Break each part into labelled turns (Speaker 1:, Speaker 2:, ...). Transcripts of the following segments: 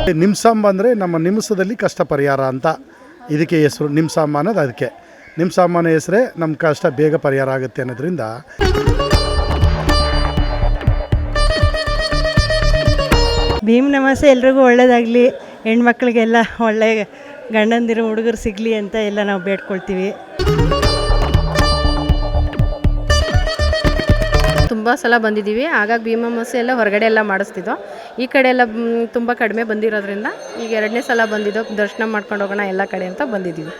Speaker 1: ನಿಮ್ಸಾಂಬ ಅಂದರೆ ನಮ್ಮ ನಿಮಿಷದಲ್ಲಿ ಕಷ್ಟ ಪರಿಹಾರ ಅಂತ ಇದಕ್ಕೆ ಹೆಸರು. ನಿಮ್ಸಾಂಬ ಅನ್ನೋದು ಅದಕ್ಕೆ. ನಿಮ್ಸಾಂಬನ ಹೆಸರೇ ನಮ್ಮ ಕಷ್ಟ ಬೇಗ ಪರಿಹಾರ ಆಗುತ್ತೆ ಅನ್ನೋದ್ರಿಂದ.
Speaker 2: ಭೀಮ್ ನಮಾಸೆ ಎಲ್ರಿಗೂ ಒಳ್ಳೆಯದಾಗಲಿ, ಹೆಣ್ಮಕ್ಳಿಗೆಲ್ಲ ಒಳ್ಳೆ ಗಂಡಂದಿರು ಹುಡುಗರು ಸಿಗಲಿ ಅಂತ ಎಲ್ಲ ನಾವು ಬೇಡ್ಕೊಳ್ತೀವಿ.
Speaker 3: ತುಂಬ ಸಲ ಬಂದಿದ್ದೀವಿ. ಆಗಾಗ ಭೀಮ್ ಅಮಾವಾಸ್ಯೆ ಎಲ್ಲ ಹೊರಗಡೆ ಎಲ್ಲ ಮಾಡಿಸ್ತಿದ್ದೋ. ಈ ಕಡೆ ಎಲ್ಲ ತುಂಬ ಕಡಿಮೆ ಬಂದಿರೋದ್ರಿಂದ ಈಗ 2ನೇ ಸಲ ಬಂದಿದ್ದೋ. ದರ್ಶನ ಮಾಡ್ಕೊಂಡು ಹೋಗೋಣ ಎಲ್ಲ ಕಡೆ ಅಂತ ಬಂದಿದ್ದೀವಿ.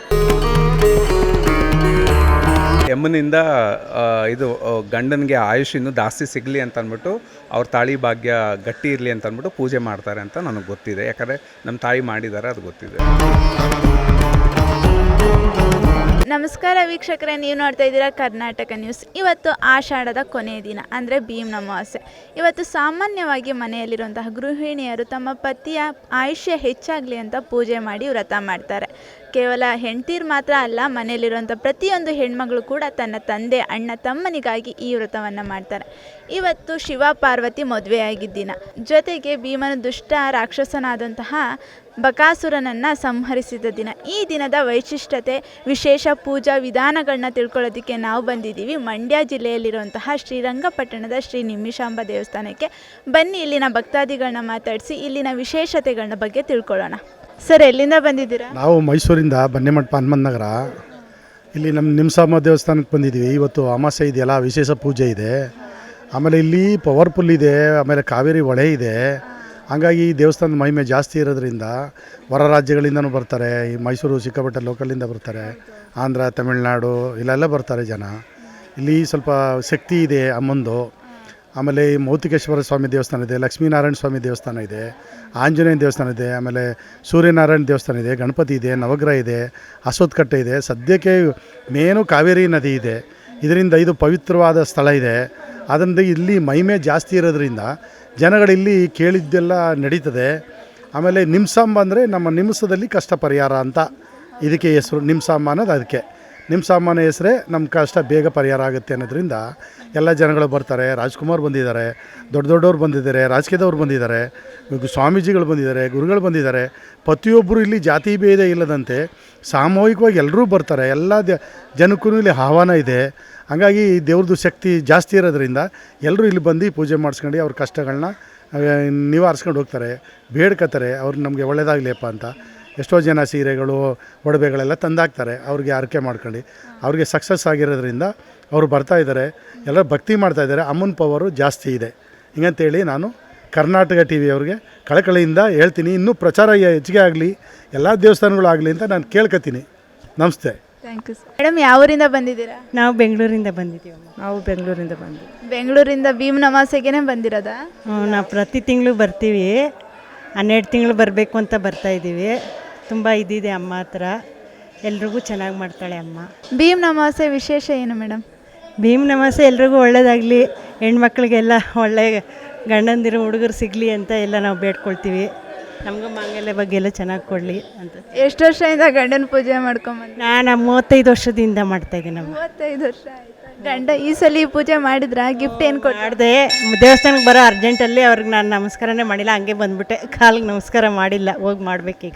Speaker 4: ಯಮ್ಮನಿಂದ ಇದು ಗಂಡನಿಗೆ ಆಯುಷ್ ಇನ್ನೂ ಜಾಸ್ತಿ ಸಿಗಲಿ ಅಂತ ಅಂದ್ಬಿಟ್ಟು ಅವ್ರ ತಾಳಿ ಭಾಗ್ಯ ಗಟ್ಟಿ ಇರಲಿ ಅಂತ ಅಂದ್ಬಿಟ್ಟು ಪೂಜೆ ಮಾಡ್ತಾರೆ ಅಂತ ನನಗೆ ಗೊತ್ತಿದೆ. ಯಾಕಂದರೆ ನಮ್ಮ ತಾಯಿ ಮಾಡಿದ್ದಾರೆ, ಅದು ಗೊತ್ತಿದೆ.
Speaker 5: ನಮಸ್ಕಾರ ವೀಕ್ಷಕರೇ, ನೀವು ನೋಡ್ತಾ ಇದ್ದೀರಾ ಕರ್ನಾಟಕ ನ್ಯೂಸ್. ಇವತ್ತು ಆಷಾಢದ ಕೊನೆಯ ದಿನ ಅಂದರೆ ಭೀಮ್ ಅಮಾವಾಸ್ಯೆ. ಇವತ್ತು ಸಾಮಾನ್ಯವಾಗಿ ಮನೆಯಲ್ಲಿರುವಂತಹ ಗೃಹಿಣಿಯರು ತಮ್ಮ ಪತಿಯ ಆಯುಷ್ಯ ಹೆಚ್ಚಾಗಲಿ ಅಂತ ಪೂಜೆ ಮಾಡಿ ವ್ರತ ಮಾಡ್ತಾರೆ. ಕೇವಲ ಹೆಂಡ್ತೀರು ಮಾತ್ರ ಅಲ್ಲ, ಮನೆಯಲ್ಲಿರುವಂಥ ಪ್ರತಿಯೊಂದು ಹೆಣ್ಮಗಳು ಕೂಡ ತನ್ನ ತಂದೆ, ಅಣ್ಣ, ತಮ್ಮನಿಗಾಗಿ ಈ ವ್ರತವನ್ನು ಮಾಡ್ತಾರೆ. ಇವತ್ತು ಶಿವ ಪಾರ್ವತಿ ಮದುವೆಯಾಗಿದ್ದ ದಿನ, ಜೊತೆಗೆ ಭೀಮನ ದುಷ್ಟ ರಾಕ್ಷಸನಾದಂತಹ ಬಕಾಸುರನನ್ನು ಸಂಹರಿಸಿದ ದಿನ. ಈ ದಿನದ ವೈಶಿಷ್ಟ್ಯತೆ, ವಿಶೇಷ ಪೂಜಾ ವಿಧಾನಗಳನ್ನ ತಿಳ್ಕೊಳ್ಳೋದಕ್ಕೆ ನಾವು ಬಂದಿದ್ದೀವಿ ಮಂಡ್ಯ ಜಿಲ್ಲೆಯಲ್ಲಿರುವಂತಹ ಶ್ರೀರಂಗಪಟ್ಟಣದ ಶ್ರೀ ನಿಮಿಷಾಂಬ ದೇವಸ್ಥಾನಕ್ಕೆ. ಬನ್ನಿ, ಇಲ್ಲಿನ ಭಕ್ತಾದಿಗಳನ್ನ ಮಾತಾಡಿಸಿ ಇಲ್ಲಿನ ವಿಶೇಷತೆಗಳನ್ನ ಬಗ್ಗೆ ತಿಳ್ಕೊಳ್ಳೋಣ. ಸರ್, ಎಲ್ಲಿಂದ ಬಂದಿದ್ದೀರಾ?
Speaker 1: ನಾವು ಮೈಸೂರಿಂದ ಬನ್ನೇಮಠ ಹನುಮಂತ ನಗರ. ಇಲ್ಲಿ ನಮ್ಮ ನಿಮ್ಸಾಂಬ ದೇವಸ್ಥಾನಕ್ಕೆ ಬಂದಿದ್ದೀವಿ. ಇವತ್ತು ಅಮಾವಾಸ್ಯೆ ಇದೆಯಲ್ಲ, ವಿಶೇಷ ಪೂಜೆ ಇದೆ. ಆಮೇಲೆ ಇಲ್ಲಿ ಪವರ್ಫುಲ್ ಇದೆ, ಆಮೇಲೆ ಕಾವೇರಿ ಹೊಳೆ ಇದೆ. ಹಾಗಾಗಿ ಈ ದೇವಸ್ಥಾನದ ಮಹಿಮೆ ಜಾಸ್ತಿ ಇರೋದ್ರಿಂದ ಹೊರ ರಾಜ್ಯಗಳಿಂದನೂ ಬರ್ತಾರೆ. ಈ ಮೈಸೂರು ಸಿಕ್ಕಾಪಟ್ಟೆ ಲೋಕಲಿಂದ ಬರ್ತಾರೆ, ಆಂಧ್ರ, ತಮಿಳ್ನಾಡು ಇಲ್ಲೆಲ್ಲ ಬರ್ತಾರೆ ಜನ. ಇಲ್ಲಿ ಸ್ವಲ್ಪ ಶಕ್ತಿ ಇದೆ ಅಮ್ಮಂದು. ಆಮೇಲೆ ಈ ಮೌತಿಕೇಶ್ವರ ಸ್ವಾಮಿ ದೇವಸ್ಥಾನ ಇದೆ, ಲಕ್ಷ್ಮೀನಾರಾಯಣ ಸ್ವಾಮಿ ದೇವಸ್ಥಾನ ಇದೆ, ಆಂಜನೇಯ ದೇವಸ್ಥಾನ ಇದೆ, ಆಮೇಲೆ ಸೂರ್ಯನಾರಾಯಣ ದೇವಸ್ಥಾನ ಇದೆ, ಗಣಪತಿ ಇದೆ, ನವಗ್ರಹ ಇದೆ, ಅಶ್ವತ್ಥಕಟ್ಟೆ ಇದೆ. ಸದ್ಯಕ್ಕೆ ಮೇನು ಕಾವೇರಿ ನದಿ ಇದೆ. ಇದರಿಂದ ಇದು ಪವಿತ್ರವಾದ ಸ್ಥಳ ಇದೆ. ಅದರಿಂದ ಇಲ್ಲಿ ಮಹಿಮೆ ಜಾಸ್ತಿ ಇರೋದ್ರಿಂದ ಜನಗಳಿಲ್ಲಿ ಕೇಳಿದ್ದೆಲ್ಲ ನಡೀತದೆ. ಆಮೇಲೆ ನಿಮ್ಸಾಂಬ ಅಂದರೆ ನಮ್ಮ ನಿಮಿಷದಲ್ಲಿ ಕಷ್ಟ ಪರಿಹಾರ ಅಂತ ಇದಕ್ಕೆ ಹೆಸರು. ನಿಮ್ಸಾಂಬ ಅನ್ನೋದು ಅದಕ್ಕೆ. ನಿಮ್ಸಾಂಬನ ಹೆಸರೇ ನಮ್ಮ ಕಷ್ಟ ಬೇಗ ಪರಿಹಾರ ಆಗುತ್ತೆ ಅನ್ನೋದ್ರಿಂದ ಎಲ್ಲ ಜನಗಳು ಬರ್ತಾರೆ. ರಾಜ್ಕುಮಾರ್ ಬಂದಿದ್ದಾರೆ, ದೊಡ್ಡ ದೊಡ್ಡವ್ರು ಬಂದಿದ್ದಾರೆ, ರಾಜಕೀಯದವ್ರು ಬಂದಿದ್ದಾರೆ, ಸ್ವಾಮೀಜಿಗಳು ಬಂದಿದ್ದಾರೆ, ಗುರುಗಳು ಬಂದಿದ್ದಾರೆ. ಪ್ರತಿಯೊಬ್ಬರು ಇಲ್ಲಿ ಜಾತಿ ಭೇದ ಇಲ್ಲದಂತೆ ಸಾಮೂಹಿಕವಾಗಿ ಎಲ್ಲರೂ ಬರ್ತಾರೆ. ಎಲ್ಲ ಜನಕ್ಕೂ ಇಲ್ಲಿ ಆಹ್ವಾನ ಇದೆ. ಹಾಗಾಗಿ ದೇವ್ರದ್ದು ಶಕ್ತಿ ಜಾಸ್ತಿ ಇರೋದ್ರಿಂದ ಎಲ್ಲರೂ ಇಲ್ಲಿ ಬಂದು ಪೂಜೆ ಮಾಡಿಸ್ಕೊಂಡು ಅವ್ರ ಕಷ್ಟಗಳನ್ನ ನಿವಾರಿಸ್ಕೊಂಡು ಹೋಗ್ತಾರೆ, ಬೇಡ್ಕೋತಾರೆ. ಅವ್ರು ನಮಗೆ ಒಳ್ಳೆಯದಾಗಲಿಯಪ್ಪ ಅಂತ. ಎಷ್ಟೋ ಜನ ಸೀರೆಗಳು, ಒಡವೆಗಳೆಲ್ಲ ತಂದಾಕ್ತಾರೆ ಅವ್ರಿಗೆ ಹರಕೆ ಮಾಡ್ಕೊಂಡು. ಅವ್ರಿಗೆ ಸಕ್ಸಸ್ ಆಗಿರೋದ್ರಿಂದ ಅವರು ಬರ್ತಾಯಿದ್ದಾರೆ, ಎಲ್ಲ ಭಕ್ತಿ ಮಾಡ್ತಾಯಿದ್ದಾರೆ. ಅಮ್ಮನ ಪವರು ಜಾಸ್ತಿ ಇದೆ ಹಿಂಗಂತೇಳಿ ನಾನು ಕರ್ನಾಟಕ ಟಿ ವಿ ಅವ್ರಿಗೆ ಕಳಕಳಿಯಿಂದ ಹೇಳ್ತೀನಿ. ಇನ್ನೂ ಪ್ರಚಾರ ಹೆಚ್ಚಿಗೆ ಆಗಲಿ, ಎಲ್ಲ ದೇವಸ್ಥಾನಗಳು ಆಗಲಿ ಅಂತ ನಾನು ಕೇಳ್ಕೊತೀನಿ. ನಮಸ್ತೆ.
Speaker 5: Thank you sir. ಮೇಡಮ್, ಯಾವ ಊರಿಂದ ಬಂದಿದ್ದೀರಾ?
Speaker 2: ನಾವು ಬೆಂಗಳೂರಿಂದ ಬಂದಿದ್ದೀವಿ. ನಾವು ಬೆಂಗಳೂರಿಂದ
Speaker 5: ಬೆಂಗಳೂರಿಂದ ಭೀಮ್ ಅಮಾವಾಸ್ಯೆಗೆ ಬಂದಿರೋದಾ?
Speaker 2: ನಾವು ಪ್ರತಿ ತಿಂಗಳು ಬರ್ತೀವಿ. 12 ತಿಂಗಳು ಬರಬೇಕು ಅಂತ ಬರ್ತಾಯಿದ್ದೀವಿ. ತುಂಬ ಇದಿದೆ ಅಮ್ಮ ಹತ್ರ, ಎಲ್ರಿಗೂ ಚೆನ್ನಾಗಿ ಮಾಡ್ತಾಳೆ ಅಮ್ಮ.
Speaker 5: ಭೀಮ್ ಅಮಾವಾಸ್ಯೆ ವಿಶೇಷ ಏನು ಮೇಡಮ್?
Speaker 2: ಭೀಮ್ ನಮಾಸೆ ಎಲ್ರಿಗೂ ಒಳ್ಳೆಯದಾಗಲಿ, ಹೆಣ್ಮಕ್ಳಿಗೆಲ್ಲ ಒಳ್ಳೆ ಗಂಡಂದಿರು ಹುಡುಗರು ಸಿಗಲಿ ಅಂತ ಎಲ್ಲ ನಾವು ಬೇಡ್ಕೊಳ್ತೀವಿ. ನಮಗೂ ಮಾಂಗಲ್ಯ ಬಗ್ಗೆ ಎಲ್ಲ ಚೆನ್ನಾಗಿ ಕೊಡಲಿ ಅಂತ.
Speaker 5: ಎಷ್ಟು ವರ್ಷದಿಂದ ಗಂಡನ ಪೂಜೆ ಮಾಡ್ಕೊಂಬಂದು?
Speaker 2: ನಾನು 35 ವರ್ಷದಿಂದ ಮಾಡ್ತಾಯಿದ್ದೀನಿ.
Speaker 5: 35 ವರ್ಷ ಆಯಿತು. ಗಂಡ ಈ ಸಲ ಈ ಪೂಜೆ ಮಾಡಿದ್ರ? ಗಿಫ್ಟ್ ಏನು
Speaker 2: ಮಾಡಿದೆ? ದೇವಸ್ಥಾನಕ್ಕೆ ಬರೋ ಅರ್ಜೆಂಟಲ್ಲಿ ಅವ್ರಿಗೆ ನಾನು ನಮಸ್ಕಾರನೇ ಮಾಡಿಲ್ಲ, ಹಂಗೆ ಬಂದುಬಿಟ್ಟೆ. ಕಾಲಿಗೆ ನಮಸ್ಕಾರ ಮಾಡಿಲ್ಲ, ಹೋಗಿ ಮಾಡಬೇಕೀಗ.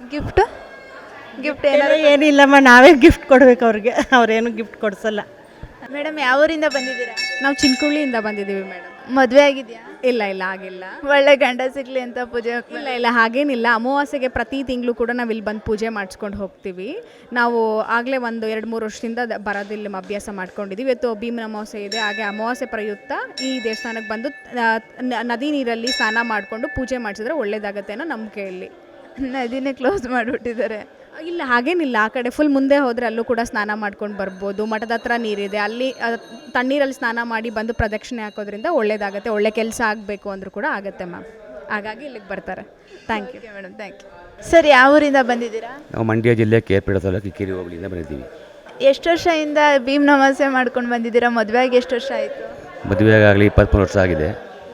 Speaker 5: ಗಿಫ್ಟ್
Speaker 2: ಏನಿಲ್ಲಮ್ಮ, ನಾವೇ ಗಿಫ್ಟ್ ಕೊಡಬೇಕು ಅವ್ರಿಗೆ, ಅವ್ರೇನು ಗಿಫ್ಟ್ ಕೊಡಿಸಲ್ಲ.
Speaker 5: ಮೇಡಮ್, ಯಾವ ಊರಿಂದ ಬಂದಿದ್ದೀರಾ?
Speaker 6: ನಾವು ಚಿನ್ಕುಳ್ಳಿಯಿಂದ ಬಂದಿದ್ದೀವಿ ಮೇಡಮ್.
Speaker 5: ಮದುವೆ ಆಗಿದೆಯಾ?
Speaker 6: ಇಲ್ಲ ಆಗಿಲ್ಲ.
Speaker 5: ಒಳ್ಳೆ ಗಂಡ ಸಿಗಲಿ ಅಂತ ಪೂಜೆ?
Speaker 6: ಇಲ್ಲ ಹಾಗೇನಿಲ್ಲ. ಅಮಾವಾಸ್ಯೆಗೆ ಪ್ರತಿ ತಿಂಗಳು ಕೂಡ ನಾವು ಇಲ್ಲಿ ಬಂದು ಪೂಜೆ ಮಾಡಿಸ್ಕೊಂಡು ಹೋಗ್ತೀವಿ. ನಾವು ಆಗಲೇ ಒಂದು 2-3 ವರ್ಷದಿಂದ ಬರೋದಿಲ್ಲ ಅಭ್ಯಾಸ ಮಾಡ್ಕೊಂಡಿದ್ದೀವಿ. ಇವತ್ತು ಭೀಮನ ಅಮಾವಾಸ್ಯೆ ಇದೆ, ಹಾಗೆ ಅಮಾವಾಸ್ಯೆ ಪ್ರಯುಕ್ತ ಈ ದೇವಸ್ಥಾನಕ್ಕೆ ಬಂದು ನದಿ ನೀರಲ್ಲಿ ಸ್ನಾನ ಮಾಡಿಕೊಂಡು ಪೂಜೆ ಮಾಡಿಸಿದ್ರೆ ಒಳ್ಳೇದಾಗತ್ತೆ ಅನ್ನೋ ನಂಬಿಕೆಯಲ್ಲಿ.
Speaker 5: ನದಿನೇ ಕ್ಲೋಸ್ ಮಾಡಿಬಿಟ್ಟಿದ್ದಾರೆ.
Speaker 6: ಇಲ್ಲ ಹಾಗೇನಿಲ್ಲ, ಆ ಕಡೆ ಫುಲ್ ಮುಂದೆ ಹೋದರೆ ಅಲ್ಲೂ ಕೂಡ ಸ್ನಾನ ಮಾಡ್ಕೊಂಡು ಬರ್ಬೋದು. ಮಠದ ಹತ್ರ ನೀರಿದೆ, ಅಲ್ಲಿ ತಣ್ಣೀರಲ್ಲಿ ಸ್ನಾನ ಮಾಡಿ ಬಂದು ಪ್ರದಕ್ಷಿಣೆ ಹಾಕೋದ್ರಿಂದ ಒಳ್ಳೇದಾಗುತ್ತೆ. ಒಳ್ಳೆ ಕೆಲಸ ಆಗಬೇಕು ಅಂದರೂ ಕೂಡ ಆಗುತ್ತೆ ಮ್ಯಾಮ್. ಹಾಗಾಗಿ ಇಲ್ಲಿಗೆ ಬರ್ತಾರೆ. Thank you madam. Thank you
Speaker 5: sir. ಯಾವ ಊರಿಂದ ಬಂದಿದ್ದೀರಾ?
Speaker 7: ನಾವು ಮಂಡ್ಯ ಜಿಲ್ಲೆ ಕೇರ್ಪೇಟೆ ತಾಲೂಕು ಕಿಕ್ಕೇರಿ ಹೋಬಳಿಯಿಂದ ಬಂದಿದ್ದೀವಿ.
Speaker 5: ಎಷ್ಟು ವರ್ಷದಿಂದ ಭೀಮ್ ಅಮಾವಾಸ್ಯೆ ಮಾಡ್ಕೊಂಡು ಬಂದಿದ್ದೀರಾ? ಮದುವೆ ಆಗಿ ಎಷ್ಟು ವರ್ಷ ಆಯಿತು?
Speaker 7: ಮದುವೆಗಾಗಲಿ 23 ವರ್ಷ ಆಗಿದೆ.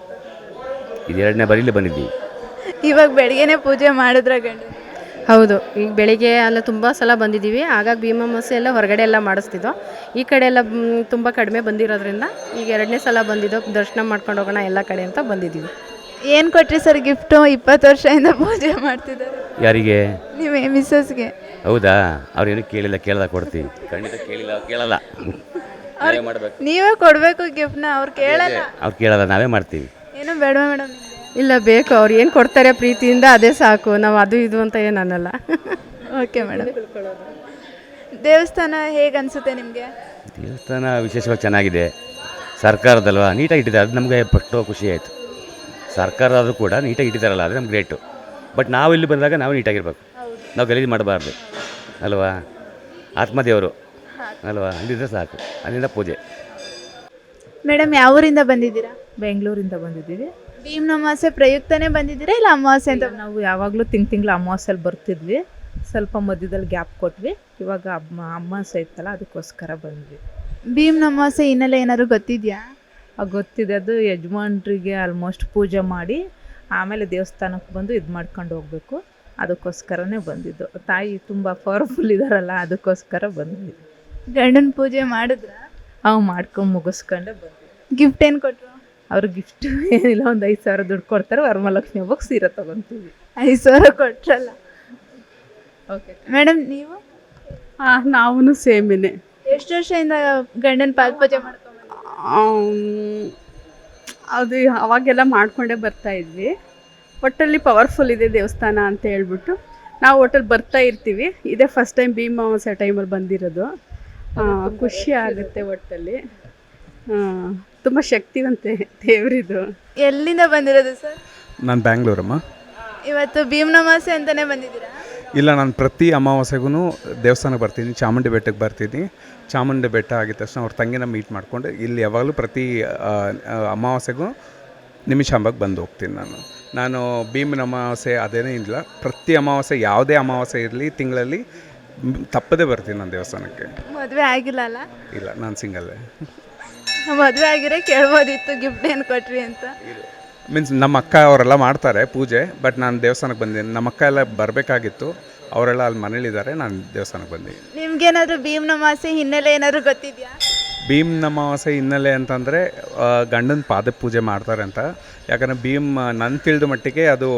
Speaker 7: ಇದು 2ನೇ ಬಾರಿಲಿ ಬಂದಿದ್ದೀವಿ.
Speaker 5: ಇವಾಗ ಬೆಳಗ್ಗೆನೇ ಪೂಜೆ ಮಾಡಿದ್ರ ಗಂಡು?
Speaker 3: ಹೌದು, ಈಗ ಬೆಳಿಗ್ಗೆ ಎಲ್ಲ ತುಂಬ ಸಲ ಬಂದಿದ್ದೀವಿ. ಆಗಾಗ ಭೀಮ್ ಅಮಾವಾಸ್ಯೆ ಎಲ್ಲ ಹೊರಗಡೆ ಎಲ್ಲ ಮಾಡಿಸ್ತಿದ್ದೋ. ಈ ಕಡೆ ಎಲ್ಲ ತುಂಬ ಕಡಿಮೆ ಬಂದಿರೋದ್ರಿಂದ ಈಗ 2ನೇ ಸಲ ಬಂದಿದ್ದೋ. ದರ್ಶನ ಮಾಡ್ಕೊಂಡು ಹೋಗೋಣ ಎಲ್ಲ ಕಡೆ ಅಂತ ಬಂದಿದ್ದೀವಿ.
Speaker 5: ಏನು ಕೊಟ್ರಿ ಸರ್ ಗಿಫ್ಟು? 20 ವರ್ಷದಿಂದ ಪೂಜೆ ಮಾಡ್ತಿದ್ದಾರೆ
Speaker 7: ಯಾರಿಗೆ?
Speaker 5: ನಿಮ್ಮ ಮಿಸ್ಸಸ್ಗೆ.
Speaker 7: ಹೌದಾ? ಅವ್ರೇನು ಕೇಳಲ್ಲ ಕೊಡ್ತೀವಿ. ಖಂಡಿತ ಕೇಳಲ್ಲ ನಾವೇ ಮಾಡಬೇಕು.
Speaker 5: ನೀವೇ ಕೊಡಬೇಕು ಗಿಫ್ಟ್ನ, ಅವ್ರು ಕೇಳಲ್ಲ.
Speaker 7: ಅವ್ರು ಕೇಳಲ್ಲ, ನಾವೇ ಮಾಡ್ತೀವಿ.
Speaker 5: ಏನು ಬೇಡವಾ ಮೇಡಮ್?
Speaker 3: ಇಲ್ಲ, ಬೇಕು. ಅವ್ರು ಏನು ಕೊಡ್ತಾರೆ ಪ್ರೀತಿಯಿಂದ ಅದೇ ಸಾಕು. ನಾವು ಅದು ಇದು ಅಂತ ಏನು ಅನ್ನಲ್ಲ.
Speaker 5: Okay madam. ದೇವಸ್ಥಾನ ಹೇಗೆ ಅನಿಸುತ್ತೆ ನಿಮಗೆ?
Speaker 7: ದೇವಸ್ಥಾನ ವಿಶೇಷವಾಗಿ ಚೆನ್ನಾಗಿದೆ. ಸರ್ಕಾರದಲ್ವಾ ನೀಟಾಗಿ ಇಟ್ಟಿದ್ದಾರೆ, ಅದು ನಮಗೆ ಪಟ್ಟು ಖುಷಿ ಆಯಿತು. ಸರ್ಕಾರದಾದರೂ ಕೂಡ ನೀಟಾಗಿ ಇಟ್ಟಿದ್ದಾರಲ್ಲ, ಅದು ನಮ್ಗೆ ಗ್ರೇಟು. ಬಟ್ ನಾವು ಇಲ್ಲಿ ಬಂದಾಗ ನಾವು ನೀಟಾಗಿರ್ಬೇಕು, ನಾವು ಗಲೀಜು ಮಾಡಬಾರ್ದು ಅಲ್ವಾ? ಆತ್ಮದೇವರು ಅಲ್ವಾ, ಅಲ್ಲಿದ್ದರೆ ಸಾಕು, ಅಲ್ಲಿಂದ ಪೂಜೆ.
Speaker 5: ಮೇಡಮ್ ಯಾವ ಊರಿಂದ ಬಂದಿದ್ದೀರಾ?
Speaker 8: ಬೆಂಗಳೂರಿಂದ ಬಂದಿದ್ದೀವಿ.
Speaker 5: ಭೀಮ್ ಅಮಾವಾಸ್ಯೆ ಪ್ರಯುಕ್ತನೇ ಬಂದಿದ್ದೀರಾ ಇಲ್ಲ ಅಮಾವಾಸ್ಯೆ ಅಂತ?
Speaker 8: ನಾವು ಯಾವಾಗಲೂ ತಿಂಗಳು ಅಮಾವಾಸ್ಯೆಲಿ ಬರ್ತಿದ್ವಿ, ಸ್ವಲ್ಪ ಮಧ್ಯದಲ್ಲಿ ಗ್ಯಾಪ್ ಕೊಟ್ವಿ. ಇವಾಗ ಅಮಾವಾಸ್ಯೆ ಇತ್ತಲ್ಲ, ಅದಕ್ಕೋಸ್ಕರ ಬಂದ್ವಿ.
Speaker 5: ಭೀಮ್ ಅಮಾವಾಸ್ಯೆ ಹಿನ್ನೆಲೆ ಏನಾದ್ರು ಗೊತ್ತಿದೆಯಾ?
Speaker 8: ಗೊತ್ತಿದೆ, ಅದು ಯಜಮಾನ್ರಿಗೆ ಆಲ್ಮೋಸ್ಟ್ ಪೂಜೆ ಮಾಡಿ ಆಮೇಲೆ ದೇವಸ್ಥಾನಕ್ಕೆ ಬಂದು ಇದು ಮಾಡ್ಕೊಂಡು ಹೋಗಬೇಕು. ಅದಕ್ಕೋಸ್ಕರನೇ ಬಂದಿದ್ದು. ತಾಯಿ ತುಂಬ ಪವರ್ಫುಲ್ ಇದ್ದಾರಲ್ಲ, ಅದಕ್ಕೋಸ್ಕರ ಬಂದ್ವಿ.
Speaker 5: ಗಂಡನ ಪೂಜೆ ಮಾಡಿದ್ರ?
Speaker 8: ಮಾಡ್ಕೊಂಡು ಮುಗಿಸ್ಕೊಂಡೆ ಬಂದ್ವಿ.
Speaker 5: ಗಿಫ್ಟ್ ಏನು ಕೊಟ್ಟರು?
Speaker 8: ಅವ್ರ ಗಿಫ್ಟ್ ಏನಿಲ್ಲ, ಒಂದು 5,000 ದುಡ್ಡು ಕೊಡ್ತಾರೆ. ವರಮಹಾಲಕ್ಷ್ಮಿ ಹಬ್ಬಕ್ಕೆ ಸೀರೆ ತೊಗೊತೀವಿ.
Speaker 5: 5,000 ಕೊಟ್ರಲ್ಲ. ಓಕೆ ಮೇಡಮ್, ನೀವು?
Speaker 9: ನಾವು ಸೇಮಿನೇ.
Speaker 5: ಎಷ್ಟು ವರ್ಷದಿಂದ ಗಂಡನ ಪಾದ ಪೂಜೆ ಮಾಡ್ಕೊಂಡು?
Speaker 9: ಅದು ಅವಾಗೆಲ್ಲ ಮಾಡ್ಕೊಂಡೇ ಬರ್ತಾ ಇದ್ವಿ. ಒಟ್ಟಲ್ಲಿ ಪವರ್ಫುಲ್ ಇದೆ ದೇವಸ್ಥಾನ ಅಂತ ಹೇಳ್ಬಿಟ್ಟು ನಾವು ಒಟ್ಟಲ್ಲಿ ಬರ್ತಾ ಇರ್ತೀವಿ. ಇದೇ ಫಸ್ಟ್ ಟೈಮ್ ಭೀಮ್ ಅಮಾವಾಸ್ಯೆ ಟೈಮಲ್ಲಿ ಬಂದಿರೋದು. ಖುಷಿ ಆಗುತ್ತೆ ಒಟ್ಟಲ್ಲಿ. ತುಂಬ ಶಕ್ತಿವಂತೆ ದೇವರಿದು.
Speaker 5: ಎಲ್ಲಿಂದ ಬಂದಿರೋದು ಸರ್?
Speaker 4: ನಾನು ಬ್ಯಾಂಗ್ಳೂರಮ್ಮ.
Speaker 5: ಇವತ್ತು ಭೀಮ್ ಅಮಾವಾಸ್ಯೆ ಅಂತಲೇ ಬಂದಿದ್ದೀರಾ?
Speaker 4: ಇಲ್ಲ, ನಾನು ಪ್ರತಿ ಅಮಾವಾಸ್ಯೆಗೂ ದೇವಸ್ಥಾನಕ್ಕೆ ಬರ್ತೀನಿ. ಚಾಮುಂಡಿ ಬೆಟ್ಟಕ್ಕೆ ಬರ್ತೀನಿ. ಚಾಮುಂಡಿ ಬೆಟ್ಟ ಆಗಿದ ತಕ್ಷಣ ಅವ್ರ ತಂಗಿನ ಮೀಟ್ ಮಾಡಿಕೊಂಡು ಇಲ್ಲಿ ಯಾವಾಗಲೂ ಪ್ರತಿ ಅಮಾವಾಸ್ಯೆಗೂ ನಿಮಿಷಾಂಬಕ್ಕೆ ಬಂದು ಹೋಗ್ತೀನಿ. ನಾನು ಭೀಮನ ಅಮಾವಾಸ್ಯೆ ಅದೇನೇ ಇಲ್ಲ, ಪ್ರತಿ ಅಮಾವಾಸ್ಯೆ ಯಾವುದೇ ಅಮಾವಾಸ್ಯೆ ಇರಲಿ ತಿಂಗಳಲ್ಲಿ ತಪ್ಪದೇ ಬರ್ತೀನಿ ನಾನು ದೇವಸ್ಥಾನಕ್ಕೆ.
Speaker 5: ಮದುವೆ ಆಗಿಲ್ಲ ಅಲ್ಲ?
Speaker 4: ಇಲ್ಲ, ನಾನು ಸಿಂಗಲ್ಲೇ.
Speaker 5: ಮದುವೆ ಆಗಿರೋ ಕೇಳ್ಬೋದಿತ್ತು ಗಿಫ್ಟ್ ಏನು ಕೊಟ್ರಿ ಅಂತ.
Speaker 4: ಮೀನ್ಸ್ ನಮ್ಮ ಅಕ್ಕ ಅವರೆಲ್ಲ ಮಾಡ್ತಾರೆ ಪೂಜೆ, ಬಟ್ ನಾನು ದೇವಸ್ಥಾನಕ್ಕೆ ಬಂದಿದ್ದೀನಿ. ನಮ್ಮ ಅಕ್ಕ ಎಲ್ಲ ಬರಬೇಕಾಗಿತ್ತು, ಅವರೆಲ್ಲ ಅಲ್ಲಿ ಮನೇಲಿದ್ದಾರೆ, ನಾನು ದೇವಸ್ಥಾನಕ್ಕೆ ಬಂದಿದ್ದೀನಿ.
Speaker 5: ನಿಮ್ಗೇನಾದರೂ ಭೀಮ್ ಅಮಾವಾಸ್ಯೆ ಹಿನ್ನೆಲೆ ಏನಾದರೂ ಗೊತ್ತಿದೆಯಾ?
Speaker 4: ಭೀಮ್ ಅಮಾವಾಸ್ಯೆ ಹಿನ್ನೆಲೆ ಅಂತಂದರೆ ಗಂಡನ ಪಾದ ಪೂಜೆ ಮಾಡ್ತಾರೆ ಅಂತ. ಯಾಕಂದರೆ ಭೀಮ್ ನನ್ನ ತಿಳಿದ ಮಟ್ಟಿಗೆ ಅದು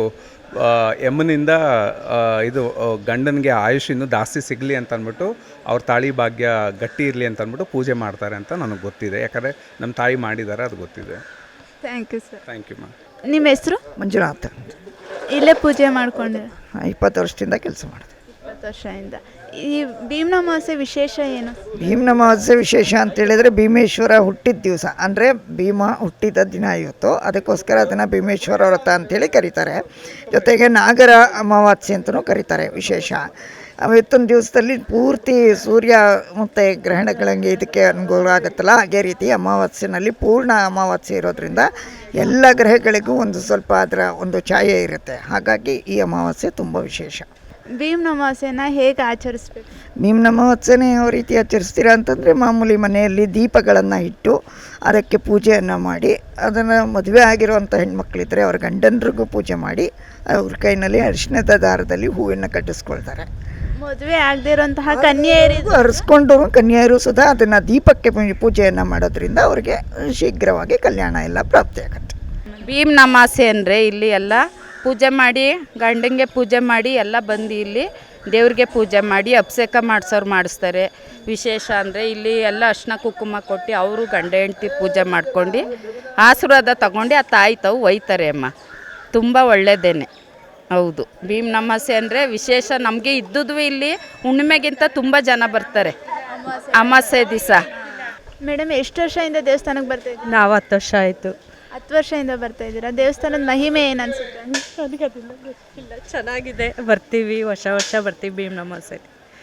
Speaker 4: ಯಮನಿಂದ ಇದು ಗಂಡನಿಗೆ ಆಯುಷ್ ಇನ್ನೂ ಜಾಸ್ತಿ ಸಿಗಲಿ ಅಂತ ಅಂದ್ಬಿಟ್ಟು ಅವ್ರ ತಾಳಿ ಭಾಗ್ಯ ಗಟ್ಟಿ ಇರಲಿ ಅಂತ ಅಂದ್ಬಿಟ್ಟು ಪೂಜೆ ಮಾಡ್ತಾರೆ ಅಂತ ನನಗೆ ಗೊತ್ತಿದೆ. ಯಾಕಂದರೆ ನಮ್ಮ ತಾಯಿ ಮಾಡಿದ್ದಾರೆ, ಅದು ಗೊತ್ತಿದೆ.
Speaker 5: Thank you sir.
Speaker 4: Thank you ma'am.
Speaker 5: ನಿಮ್ಮ ಹೆಸರು?
Speaker 10: ಮಂಜುನಾಥ್.
Speaker 5: ಇಲ್ಲೇ ಪೂಜೆ ಮಾಡ್ಕೊಂಡೆ?
Speaker 10: 20 ವರ್ಷದಿಂದ ಕೆಲಸ ಮಾಡಿದೆ.
Speaker 5: 20 ವರ್ಷದಿಂದ. ಈ ಭೀಮ್ ಅಮಾವಾಸ್ಯೆ ವಿಶೇಷ ಏನು?
Speaker 10: ಭೀಮ್ ಅಮಾವಾಸ್ಯೆ ವಿಶೇಷ ಅಂತೇಳಿದರೆ ಭೀಮೇಶ್ವರ ಹುಟ್ಟಿದ ದಿವಸ, ಅಂದರೆ ಭೀಮ ಹುಟ್ಟಿದ ದಿನ ಇವತ್ತು, ಅದಕ್ಕೋಸ್ಕರ ಅದನ್ನು ಭೀಮೇಶ್ವರ ವ್ರತ ಅಂತೇಳಿ ಕರೀತಾರೆ. ಜೊತೆಗೆ ನಾಗರ ಅಮಾವಾಸ್ಯೆ ಅಂತಲೂ ಕರೀತಾರೆ. ವಿಶೇಷ ಇವತ್ತೊಂದು ದಿವಸದಲ್ಲಿ ಪೂರ್ತಿ ಸೂರ್ಯ ಮತ್ತು ಗ್ರಹಣಗಳಂಗೆ ಇದಕ್ಕೆ ಅನುಕೂಲ ಆಗುತ್ತಲ್ಲ, ಹಾಗೆ ರೀತಿ ಅಮಾವಾಸ್ಯೆನಲ್ಲಿ ಪೂರ್ಣ ಅಮಾವಾಸ್ಯೆ ಇರೋದ್ರಿಂದ ಎಲ್ಲ ಗ್ರಹಗಳಿಗೂ ಒಂದು ಸ್ವಲ್ಪ ಅದರ ಒಂದು ಛಾಯೆ ಇರುತ್ತೆ. ಹಾಗಾಗಿ ಈ ಅಮಾವಾಸ್ಯೆ ತುಂಬ ವಿಶೇಷ.
Speaker 5: ಭೀಮ್ ಅಮಾವಾಸ್ಯೆನ ಹೇಗೆ ಆಚರಿಸ್ಬೇಕು?
Speaker 10: ಭೀಮ್ ಅಮಾವಾಸ್ಯೆನೇ ಯಾವ ರೀತಿ ಆಚರಿಸ್ತೀರಾ ಅಂತಂದರೆ, ಮಾಮೂಲಿ ಮನೆಯಲ್ಲಿ ದೀಪಗಳನ್ನು ಇಟ್ಟು ಅದಕ್ಕೆ ಪೂಜೆಯನ್ನು ಮಾಡಿ, ಅದನ್ನು ಮದುವೆ ಆಗಿರುವಂಥ ಹೆಣ್ಮಕ್ಳಿದ್ರೆ ಅವ್ರ ಗಂಡನರಿಗೂ ಪೂಜೆ ಮಾಡಿ ಅವ್ರ ಕೈನಲ್ಲಿ ಅರಿಶಿಣದ ದಾರದಲ್ಲಿ ಹೂವನ್ನು ಕಟ್ಟಿಸ್ಕೊಳ್ತಾರೆ.
Speaker 5: ಮದುವೆ ಆಗದೇ ಇರೋಂತಹ ಕನ್ಯೆಯರಿಗೂ
Speaker 10: ಅರಿಸ್ಕೊಂಡು ಕನ್ಯೆಯರು ಸುಧಾ ಅದನ್ನು ದೀಪಕ್ಕೆ ಪೂಜೆಯನ್ನು ಮಾಡೋದ್ರಿಂದ ಅವ್ರಿಗೆ ಶೀಘ್ರವಾಗಿ ಕಲ್ಯಾಣ ಎಲ್ಲ ಪ್ರಾಪ್ತಿಯಾಗತ್ತೆ.
Speaker 11: ಭೀಮ್ ಅಮಾವಾಸ್ಯೆ ಅಂದರೆ ಇಲ್ಲಿ ಎಲ್ಲ ಪೂಜೆ ಮಾಡಿ, ಗಂಡಂಗೆ ಪೂಜೆ ಮಾಡಿ ಎಲ್ಲ ಬಂದು ಇಲ್ಲಿ ದೇವ್ರಿಗೆ ಪೂಜೆ ಮಾಡಿ ಅಭಿಷೇಕ ಮಾಡಿಸೋರು ಮಾಡಿಸ್ತಾರೆ. ವಿಶೇಷ ಅಂದರೆ ಇಲ್ಲಿ ಎಲ್ಲ ಅರ್ಶಿನ ಕುಂಕುಮ ಕೊಟ್ಟು ಅವರು ಗಂಡ ಹೆಂಡ್ತಿ ಪೂಜೆ ಮಾಡ್ಕೊಂಡು ಆಶೀರ್ವಾದ ತಗೊಂಡು ಆ ತಾಯಿ ತಾವು ಒಯ್ತಾರೆ ಅಮ್ಮ. ತುಂಬ ಒಳ್ಳೆಯದೇನೆ. ಹೌದು, ಭೀಮ್ ಅಮಾವಾಸ್ಯೆ ಅಂದರೆ ವಿಶೇಷ. ನಮಗೆ ಇದ್ದುದು ಇಲ್ಲಿ ಹುಣ್ಣಿಮೆಗಿಂತ ತುಂಬ ಜನ ಬರ್ತಾರೆ ಅಮಾವಾಸ್ಯೆ ದಿವಸ.
Speaker 5: ಮೇಡಮ್, ಎಷ್ಟು ವರ್ಷದಿಂದ ದೇವಸ್ಥಾನಕ್ಕೆ ಬರ್ತಾ ಇದ್ದೀರಾ?
Speaker 2: ನಾವು 10 ವರ್ಷ ಆಯಿತು.
Speaker 5: 10 ವರ್ಷದಿಂದ ಬರ್ತಾ ಇದ್ದೀರಾ. ದೇವಸ್ಥಾನದ ಮಹಿಮೆ ಏನು ಅನಿಸುತ್ತೆ?
Speaker 2: ನನಗೆ ಅದೆಲ್ಲ ಗೊತ್ತಿಲ್ಲ. ಚೆನ್ನಾಗಿದೆ, ಬರ್ತೀವಿ, ವರ್ಷ ಬರ್ತೀವಿ ಭೀಮ್ ಅಮಾವಾಸ್ಯೆ.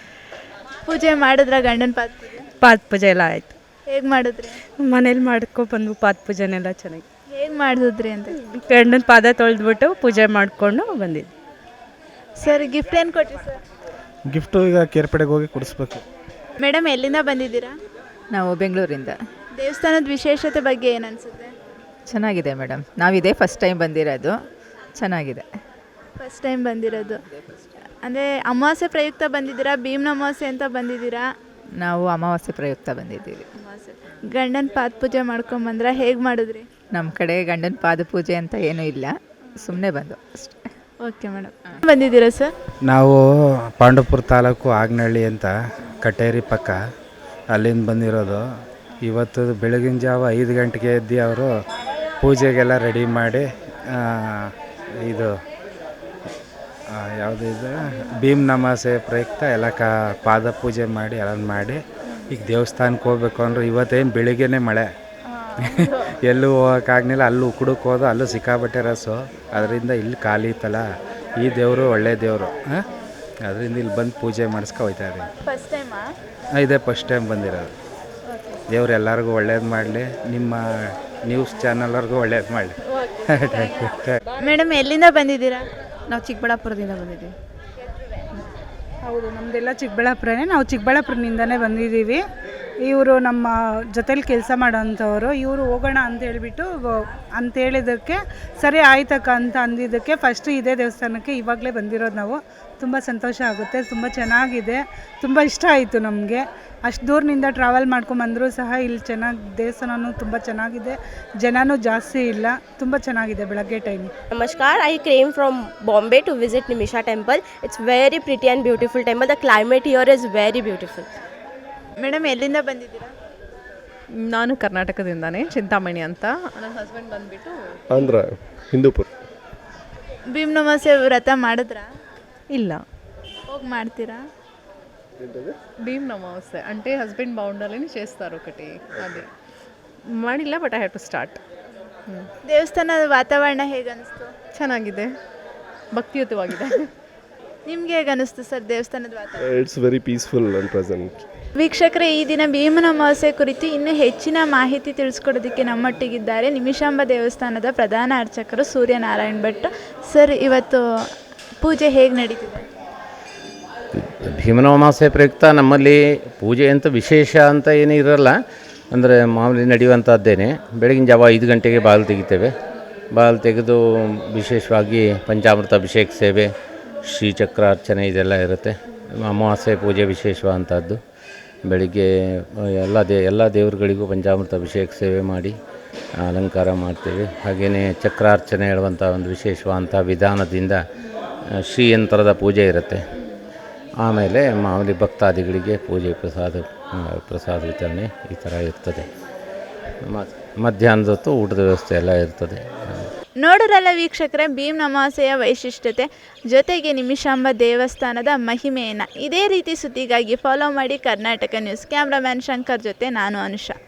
Speaker 5: ಪೂಜೆ ಮಾಡಿದ್ರ ಗಂಡನ ಪಾದ ಪೂಜೆ?
Speaker 2: ಪಾದ ಪೂಜೆ ಎಲ್ಲ ಆಯಿತು.
Speaker 5: ಹೇಗೆ ಮಾಡಿದ್ರಿ?
Speaker 2: ಮನೇಲಿ ಮಾಡ್ಕೊಬಂದು ಪಾದ ಪೂಜೆನೆಲ್ಲ ಚೆನ್ನಾಗಿ.
Speaker 5: ಹೇಗೆ ಮಾಡಿದ್ರಿ ಅಂತ?
Speaker 2: ಗಂಡನ ಪಾದ ತೊಳೆದ್ಬಿಟ್ಟು ಪೂಜೆ ಮಾಡಿಕೊಂಡು ಬಂದಿದ್ವಿ.
Speaker 5: ಸರ್, ಗಿಫ್ಟ್ ಏನು ಕೊಟ್ರಿ ಸರ್?
Speaker 1: ಗಿಫ್ಟು ಈಗ ಕೇರ್ಪಡೆಗೆ ಹೋಗಿ ಕೊಡಿಸ್ಬೇಕು.
Speaker 5: ಮೇಡಮ್, ಎಲ್ಲಿಂದ ಬಂದಿದ್ದೀರಾ?
Speaker 8: ನಾವು ಬೆಂಗಳೂರಿಂದ.
Speaker 5: ದೇವಸ್ಥಾನದ ವಿಶೇಷತೆ ಬಗ್ಗೆ ಏನು ಅನಿಸುತ್ತೆ?
Speaker 8: ಚೆನ್ನಾಗಿದೆ ಮೇಡಮ್, ನಾವಿದೇ ಫಸ್ಟ್ ಟೈಮ್ ಬಂದಿರೋದು. ಚೆನ್ನಾಗಿದೆ.
Speaker 5: ಫಸ್ಟ್ ಟೈಮ್ ಬಂದಿರೋದು ಅಂದರೆ ಅಮಾವಾಸ್ಯೆ ಪ್ರಯುಕ್ತ ಬಂದಿದ್ದೀರಾ, ಭೀಮ್ನ ಅಮಾವಾಸ್ಯೆ ಅಂತ ಬಂದಿದ್ದೀರಾ?
Speaker 8: ನಾವು ಅಮಾವಾಸ್ಯೆ ಪ್ರಯುಕ್ತ ಬಂದಿದ್ದೀವಿ.
Speaker 5: ಗಂಡನ ಪಾದ ಪೂಜೆ ಮಾಡ್ಕೊಂಬಂದ್ರೆ ಹೇಗೆ ಮಾಡಿದ್ರಿ?
Speaker 8: ನಮ್ಮ ಕಡೆ ಗಂಡನ ಪಾದ ಪೂಜೆ ಅಂತ ಏನೂ ಇಲ್ಲ. ಸುಮ್ಮನೆ ಬಂದು ಅಷ್ಟೇ.
Speaker 5: ಓಕೆ ಮೇಡಮ್, ಬಂದಿದ್ದೀರಾ ಸರ್?
Speaker 12: ನಾವು ಪಾಂಡವಪುರ ತಾಲೂಕು ಆಗ್ನಹಳ್ಳಿ ಅಂತ ಕಟೇರಿ ಪಕ್ಕ, ಅಲ್ಲಿಂದ ಬಂದಿರೋದು. ಇವತ್ತು ಬೆಳಗಿನ ಜಾವ 5 ಗಂಟೆಗೆ ಎದ್ದು ಅವರು ಪೂಜೆಗೆಲ್ಲ ರೆಡಿ ಮಾಡಿ ಇದು ಯಾವುದು ಇದು ಭೀಮ್ ನಮಾಸೆ ಪ್ರಯುಕ್ತ ಎಲ್ಲ ಪಾದ ಪೂಜೆ ಮಾಡಿ ಎಲ್ಲ ಮಾಡಿ ಈಗ ದೇವಸ್ಥಾನಕ್ಕೆ ಹೋಗ್ಬೇಕು ಅಂದ್ರೆ ಇವತ್ತೇನು ಬೆಳಿಗ್ಗೆನೇ ಮಳೆ ಎಲ್ಲೂ ಹೋಗೋಕ್ಕಾಗಲಿಲ್ಲ. ಅಲ್ಲೂ ಉಕ್ಕುಡಕ್ಕೆ ಹೋದ, ಅಲ್ಲೂ ಸಿಕ್ಕಾಬಟ್ಟೆ ರಸು. ಅದರಿಂದ ಇಲ್ಲಿ ಖಾಲಿ ಇತ್ತಲ್ಲ, ಈ ದೇವರು ಒಳ್ಳೆ ದೇವರು, ಅದರಿಂದ ಇಲ್ಲಿ ಬಂದು ಪೂಜೆ ಮಾಡಿಸ್ಕೊ ಹೋಯ್ತಾ ಇದ್ದೀವಿ.
Speaker 5: ಫಸ್ಟ್ ಟೈಮಾ?
Speaker 12: ಇದೇ ಫಸ್ಟ್ ಟೈಮ್ ಬಂದಿರೋದು. ದೇವ್ರು ಎಲ್ಲರಿಗೂ ಒಳ್ಳೇದು ಮಾಡಲಿ, ನಿಮ್ಮ ನ್ಯೂಸ್ ಚಾನಲ್ವರೆಗೂ ಒಳ್ಳೇದು ಮಾಡಲಿ.
Speaker 5: ಮೇಡಮ್, ಎಲ್ಲಿಂದ ಬಂದಿದ್ದೀರಾ?
Speaker 3: ನಾವು ಚಿಕ್ಕಬಳ್ಳಾಪುರದಿಂದ ಬಂದಿದ್ದೀವಿ.
Speaker 8: ಹೌದು, ನಮ್ಮದೆಲ್ಲ ಚಿಕ್ಕಬಳ್ಳಾಪುರನೇ. ನಾವು ಚಿಕ್ಕಬಳ್ಳಾಪುರದಿಂದನೇ ಬಂದಿದ್ದೀವಿ. ಇವರು ನಮ್ಮ ಜೊತೇಲಿ ಕೆಲಸ ಮಾಡೋಂಥವ್ರು. ಇವರು ಹೋಗೋಣ ಅಂತ ಹೇಳಿಬಿಟ್ಟು ಅಂತೇಳಿದ್ದಕ್ಕೆ ಸರಿ ಆಯ್ತಕ್ಕ ಅಂತ ಅಂದಿದ್ದಕ್ಕೆ ಫಸ್ಟು ಇದೇ ದೇವಸ್ಥಾನಕ್ಕೆ ಇವಾಗಲೇ ಬಂದಿರೋದು ನಾವು. ತುಂಬ ಸಂತೋಷ ಆಗುತ್ತೆ, ತುಂಬ ಚೆನ್ನಾಗಿದೆ, ತುಂಬ ಇಷ್ಟ ಆಯಿತು ನಮಗೆ. ಅಷ್ಟು ದೂರದಿಂದ ಟ್ರಾವೆಲ್ ಮಾಡ್ಕೊಂಬಂದರೂ ಸಹ ಇಲ್ಲಿ ಚೆನ್ನಾಗಿ ದೇವಸ್ಥಾನವೂ ತುಂಬ ಚೆನ್ನಾಗಿದೆ, ಜನನೂ ಜಾಸ್ತಿ ಇಲ್ಲ, ತುಂಬ ಚೆನ್ನಾಗಿದೆ ಬೆಳಗ್ಗೆ time.
Speaker 13: Namaskar, I came from Bombay to visit Nimisha temple. It's very pretty and beautiful temple. The climate here is very beautiful.
Speaker 5: Madam, ಎಲ್ಲಿಂದ ಬಂದಿದ್ದೀರಾ?
Speaker 8: ನಾನು ಕರ್ನಾಟಕದಿಂದಾನೇ, ಚಿಂತಾಮಣಿ ಅಂತ. ನನ್ನ ಹಸ್ಬೆಂಡ್ ಬಂದುಬಿಟ್ಟು
Speaker 14: ಆಂಧ್ರ, ಹಿಂದೂಪುರ.
Speaker 5: ಭೀಮ್ ನಮಾಸೆ ವ್ರತ ಮಾಡಿದ್ರಾ?
Speaker 8: ಇಲ್ಲ.
Speaker 5: ಹೋಗಿ ಮಾಡ್ತೀರಾ?
Speaker 8: భీమ్ నమాసే అంటే హస్బెండ్ బాగుండాలని చేస్తారు ఒకటి, అది ಮಾಡಿಲ್ಲ, but I have to start.
Speaker 5: ದೇವಸ್ಥಾನದ ವಾತಾವರಣ ಹೇಗೆ ಅನಿಸ್ತು?
Speaker 8: ಚೆನ್ನಾಗಿದೆ, ಭಕ್ತಿಯುತವಾಗಿದೆ.
Speaker 5: ನಿಮ್ಗೆ ಹೇಗೆ ಅನಿಸ್ತು ಸರ್ ದೇವಸ್ಥಾನದ ವಾತಾವರಣ?
Speaker 14: It's very peaceful and present.
Speaker 5: ವೀಕ್ಷಕರೇ, ಈ ದಿನ ಭೀಮನ ಅಮಾವಾಸ್ಯೆ ಕುರಿತು ಇನ್ನೂ ಹೆಚ್ಚಿನ ಮಾಹಿತಿ ತಿಳಿಸ್ಕೊಡೋದಕ್ಕೆ ನಮ್ಮೊಟ್ಟಿಗಿದ್ದಾರೆ ನಿಮಿಷಾಂಬ ದೇವಸ್ಥಾನದ ಪ್ರಧಾನ ಅರ್ಚಕರು ಸೂರ್ಯನಾರಾಯಣ್ ಭಟ್. ಸರ್, ಇವತ್ತು ಪೂಜೆ ಹೇಗೆ ನಡೀತಿದೆ?
Speaker 15: ಭೀಮನ ಅಮಾವಾಸ್ಯೆ ಪ್ರಯುಕ್ತ ನಮ್ಮಲ್ಲಿ ಪೂಜೆ ಅಂತ ವಿಶೇಷ ಅಂತ ಏನೂ ಇರೋಲ್ಲ. ಅಂದರೆ ಮಾಮೂಲಿ ನಡೆಯುವಂಥದ್ದೇನೆ. ಬೆಳಗಿನ ಜಾವ 5 ಗಂಟೆಗೆ ಬಾಗಿಲು ತೆಗಿತೇವೆ. ಬಾಗಿಲು ತೆಗೆದು ವಿಶೇಷವಾಗಿ ಪಂಚಾಮೃತ ಅಭಿಷೇಕ ಸೇವೆ, ಶ್ರೀಚಕ್ರ ಅರ್ಚನೆ ಇದೆಲ್ಲ ಇರುತ್ತೆ. ಅಮಾವಾಸ್ಯೆ ಪೂಜೆ ವಿಶೇಷವಾದಂಥದ್ದು. ಬೆಳಿಗ್ಗೆ ಎಲ್ಲ ದೇವರುಗಳಿಗೂ ಪಂಚಾಮೃತ ಅಭಿಷೇಕ ಸೇವೆ ಮಾಡಿ ಅಲಂಕಾರ ಮಾಡ್ತೇವೆ. ಹಾಗೆಯೇ ಚಕ್ರಾರ್ಚನೆ ಹೇಳುವಂಥ ಒಂದು ವಿಶೇಷವಾದಂಥ ವಿಧಾನದಿಂದ ಶ್ರೀಯಂತ್ರದ ಪೂಜೆ ಇರುತ್ತೆ. ಆಮೇಲೆ ಮಾಮೂಲಿ ಭಕ್ತಾದಿಗಳಿಗೆ ಪೂಜೆ ಪ್ರಸಾದ ವಿತರಣೆ ಈ ಥರ ಇರ್ತದೆ. ಮಧ್ಯಾಹ್ನದ ಹೊತ್ತು ಊಟದ ವ್ಯವಸ್ಥೆ ಎಲ್ಲ ಇರ್ತದೆ.
Speaker 5: ನೋಡೋರಲ್ಲ ವೀಕ್ಷಕರೇ, ಭೀಮ್ ಅಮಾವಾಸ್ಯೆಯ ವೈಶಿಷ್ಟ್ಯತೆ ಜೊತೆಗೆ ನಿಮಿಷಾಂಬ ದೇವಸ್ಥಾನದ ಮಹಿಮೆಯನ್ನು ಇದೇ ರೀತಿ ಸುದ್ದಿಗಾಗಿ ಫಾಲೋ ಮಾಡಿ ಕರ್ನಾಟಕ ನ್ಯೂಸ್. ಕ್ಯಾಮ್ರಾಮ್ಯಾನ್ ಶಂಕರ್ ಜೊತೆ ನಾನು ಅನುಷಾ.